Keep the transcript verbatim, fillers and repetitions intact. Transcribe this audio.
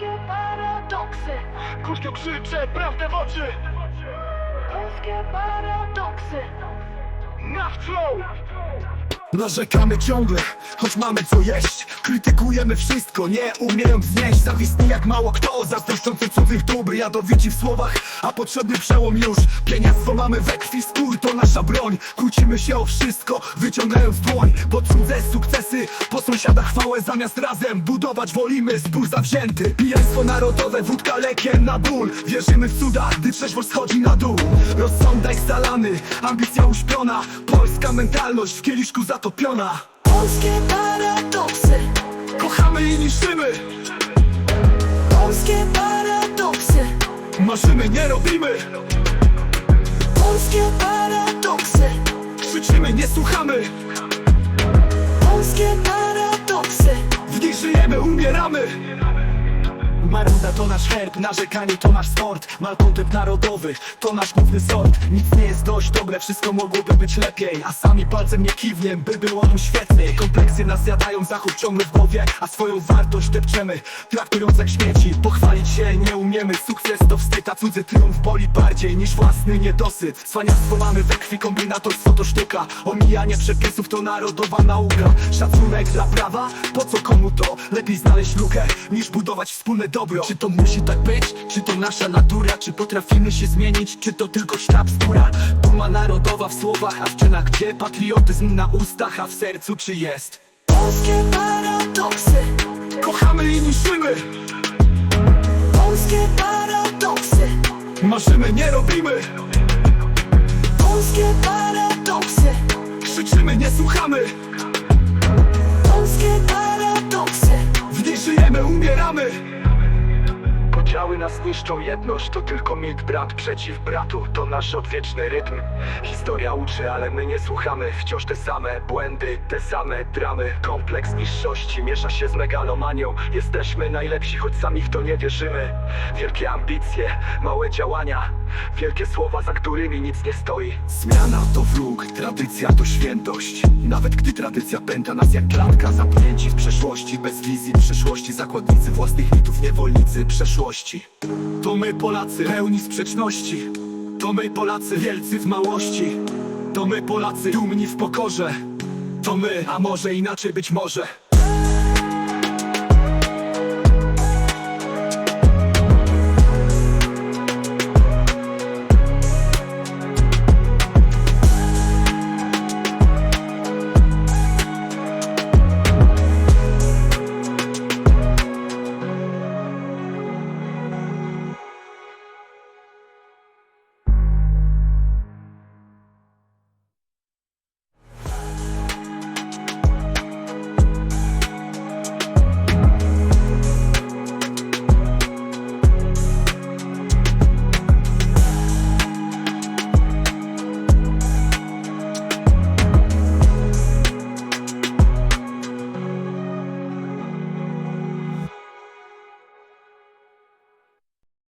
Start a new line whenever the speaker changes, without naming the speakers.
Polskie paradoksy.
Głośno krzyczę prawdę w oczy.
Polskie paradoksy.
Na flow. Narzekamy ciągle, choć mamy co jeść. Krytykujemy wszystko, nie umiejąc znieść. Zawistni jak mało kto, zazdroszczący cudzych dóbr. Jadowici w słowach, a potrzebny przełom już. Pieniactwo mamy we krwi, skór to nasza broń. Kłócimy się o wszystko, wyciągając dłoń. Po cudze sukcesy, po sąsiada chwałę. Zamiast razem budować wolimy zbór zawzięty. Pijaństwo narodowe, wódka lekiem na ból. Wierzymy w cuda, gdy trzeźwość schodzi na dół. Rozsądek zalany, ambicja uśpiona. Polska mentalność w kieliszku zatopiona.
Polskie paradoksy.
Kochamy i niszczymy.
Polskie paradoksy.
Marzymy, nie robimy.
Polskie paradoksy.
Krzyczymy, nie słuchamy.
Polskie paradoksy.
W nich żyjemy, umieramy. Maruda to nasz herb, narzekanie to nasz sport. Malkontent narodowy to nasz główny sort. Nic nie jest dość dobre, wszystko mogłoby być lepiej. A sami palcem nie kiwniem, by było nam świetniej. Kompleksy nas zjadają, zachód ciągle w głowie. A swoją wartość depczemy, traktując jak śmieci. Pochwalić się nie umiemy, sukces to wstyd. A cudzy triumf boli bardziej niż własny niedosyt. Cwaniactwo mamy we krwi, kombinatorstwo to sztuka. Omijanie przepisów to narodowa nauka. Szacunek dla prawa, po co komu to? Lepiej znaleźć lukę, niż budować wspólne dobro. Czy to musi tak być? Czy to nasza natura? Czy potrafimy się zmienić? Czy to tylko sztab skóra? Duma narodowa w słowach, a w czynach gdzie? Patriotyzm na ustach, a w sercu czy jest?
Polskie paradoksy.
Kochamy i niszczymy.
Polskie paradoksy.
Marzymy, nie robimy.
Polskie paradoksy.
Krzyczymy, nie słuchamy.
Polskie paradoksy.
W nich żyjemy, umieramy. Podziały nas niszczą, jedność to tylko mit. Brat przeciw bratu, to nasz odwieczny rytm. Historia uczy, ale my nie słuchamy. Wciąż te same błędy, te same dramy. Kompleks niższości miesza się z megalomanią. Jesteśmy najlepsi, choć sami w to nie wierzymy. Wielkie ambicje, małe działania. Wielkie słowa, za którymi nic nie stoi. Zmiana to wróg, tradycja to świętość. Nawet gdy tradycja pęta nas jak klatka. Zamknięci w przeszłości, bez wizji przyszłości. Zakładnicy własnych mitów, niewolnicy przeszłości. To my Polacy, pełni sprzeczności. To my Polacy, wielcy w małości. To my Polacy, dumni w pokorze. To my, a może inaczej być może.